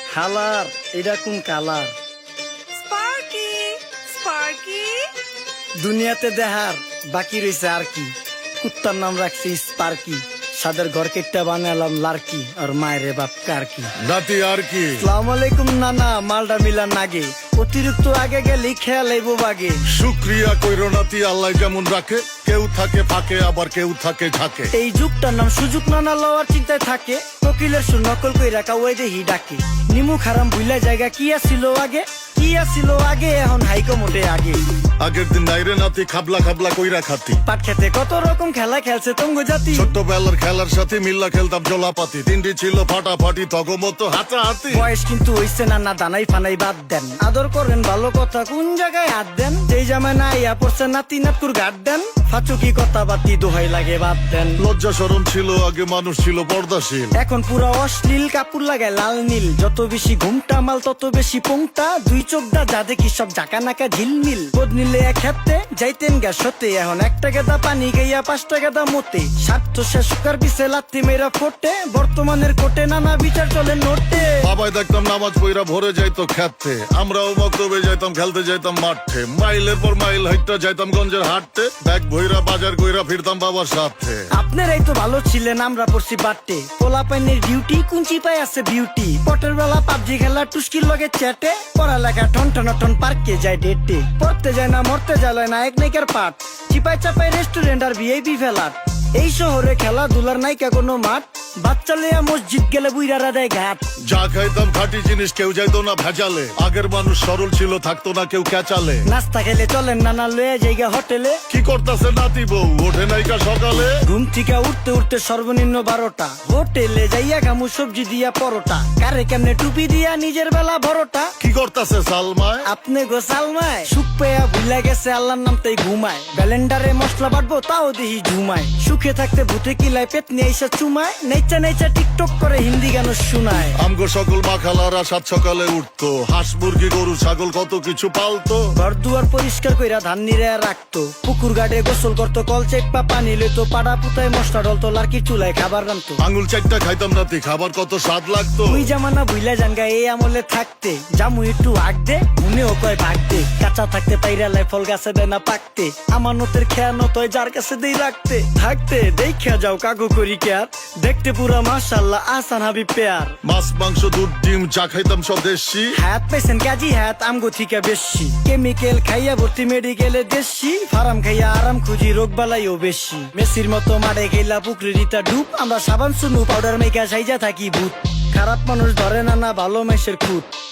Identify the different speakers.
Speaker 1: হালার এটা কোন কালার?
Speaker 2: স্পার্কি স্পার্কি
Speaker 1: দুনিয়াতে দেহার বাকি রয়েছে আর কি। কুত্তার নাম রাখছি স্পার্কি, সাদের ঘর কেটটা বানালাম লার্কি, আর মায়ের বাপ কার্কি।
Speaker 3: নাতি আর কি?
Speaker 1: সালাম আলাইকুম নানা, মালডা মিলান নাগে, অতিরিক্ত আগে গেলে খেয়াল আইবো বাগে।
Speaker 3: শুক্রিয়া কইরো নাতি, আল্লাহ যেমন রাখে, কেউ থাকে ফাঁকে আবার কেউ থাকে ঝাঁকে।
Speaker 1: এই যুগটার নাম সুযোগ নানা লওয়ার চিন্তায় থাকে, কোকিলের সুর নকল কই রাখা ওই দেহি ডাকে। নিমু খারাম ভুলা জায়গা কি আসিল আগে, কি আসিল আগে, এখন হাইকো মোটে আগে।
Speaker 3: আগের দিন নাইরে নাতি খাবলা খাবলা কইরা খাতি,
Speaker 1: পাট খেতে কত রকম খেলা খেলছে তঙ্গ জাতি।
Speaker 3: ছোট্টবেলার খেলার সাথে মিল্লা খেলতাম জলাপাতি, তিনটি ছিল ফাটাফাটি তগমতো হাতাহাতি।
Speaker 1: বয়স কিন্তু হইছে না দানাই ফানাই বাদ দেন, আদর করেন ভালো কথা কোন জায়গায় হাত দেন। যেই জামায় না ইয়া পড়ছে নাতি নাতকুর গাট দেন, ফাচুকি কথা বাতি দোহাই লাগে বাদ দেন।
Speaker 3: লজ্জা শরম ছিল আগে, মানুষ ছিল পর্দাশীল,
Speaker 1: এখন পুরো অশ্লীল, কাপড় লাগায় লাল নীল। যত বেশি ঘুমটা মাল তত বেশি পোংটা, দুই চোখ দা যা দেখি সব জাকা নাকা ঝিলমিল। বোধ নিলে এক হাতে যাইতেন গা সতে, এখন 1 টাকা দা পানি গাইয়া 5 টাকা দা মতে। স্বার্থ শেষ কার পিছে লাত্তি মেরা ফোটে, বর্তমানের কোটে নানা বিচার চলে নোটে।
Speaker 3: বাবাই দেখতাম নামাজ পইরা ভরে যাইতো খেতে, আমরাও মক্তবে যাইতাম, খেলতে যাইতাম মাঠে। মাইলের পর মাইল হাইটটা যাইতাম গঞ্জের হাটতে, ব্যাগ ভইরা বাজার কইরা ফিরতাম বাবার সাথে।
Speaker 1: আপনারাই তো ভালো ছিলেন, আমরা পড়ছি বাটে। পোলা পাইনের ডিউটি কুঞ্চি পাই আছে বিউটি, পটের বেলা পাবজি খেলা টুস্কির লগে চ্যাটে। পড়ালেখা টন টন টন পার্কে যায় ডেটে, পড়তে যায় না মরতে যায় নায়ক নায়িকার পাঠ। চিপাই চাপাই রেস্টুরেন্ট আর ভিআইপি ফেলাট, এই শহরে খেলাধুলার নাইকা কোনো মাঠ। বাচ্চা লেয়া মসজিদ গেলে বুইরারা দেয় ঘাট।
Speaker 3: যা খাইতাম খাঁটি জিনিস, কেউ যাইতো না ভেজালে। আগের মানুষ সরল ছিল, থাকতো না কেউ ক্যাচালে।
Speaker 1: নাস্তা খেলে চলেন নানা লয়ে জায়গা হোটেলে।
Speaker 3: কি করতাছে নাতি বউ, ওঠে নাইকা সকালে।
Speaker 1: ঘুম থেকে উঠতে উঠতে সর্বনিম্ন 12টা, হোটেলে যাইয়া গামু সবজি দিয়া পরোটা। কারে কেমনে টুপি দিয়া নিজের বেলা বড়টা।
Speaker 3: কি করতাছে সালমায়?
Speaker 1: আপনি গো সালমায় সুখ পেয়া ভুলে গেছে আল্লাহর নাম তাই ঘুমায়। ব্যালেন্ডারে মশলা বাটবো তাও দেহি ঝুমায়। সুখে থাকতে ভূতে কিলায় পেট নিয়ে এসে চুমায়। নেচা নেচা টিকটক করে হিন্দি গান শোনায়।
Speaker 3: আমগো সকল মাখালারা 7 সকালে উঠতো, হাঁস মুরগি গরু ছাগল কত কিছু পালতো।
Speaker 1: ঘর দুয়ার পরিষ্কার কইরা ধান নিরে রাখতো, পুকুর গাড়ে গোসল করতো, কল চেপা পানি লইতো। পাড়া পুতায় মশলা ডলতো, লার্কি চুলায় খাবার রান্তো।
Speaker 3: আঙুল চারটা খাইতাম নাতি, খাবার কত স্বাদ লাগতো।
Speaker 1: তুই জামানা ভুইলা জানগা এই আমলে থাকতে, জামু একটু আগ দে মনেও কয় ভাগ দে। কাঁচা থাকতে পাইরালায় ফল গাছে দেয় না পাকতে, আমানতের খেয়ানত হয় যার কাছে দেই রাখতে। থাকতে দেখা যাও কাগু করি কেয়ার, দেখতে পুরা মাশাআল্লাহ আসান হাবি পেয়ার।
Speaker 3: মাছ মাংস দুধ ডিম যা খাইতাম সব দেশি,
Speaker 1: হাত পেছেন কাজী হাত আমগো থিকা বেশি। কেমিক্যাল খাইয়া ভর্তি মেডিকেলে দেশি, ফার্ম খাইয়া আরাম খুঁজি রোগ বালাইও বেশি। মেসির মতো মারে গেলা পুকুরে রিতা ডুব, আমরা সাবান সুনু পাউডার মেকা সাইজা থাকি ভূত। খারাপ মানুষ ধরে না ভালো মেসের খুঁত।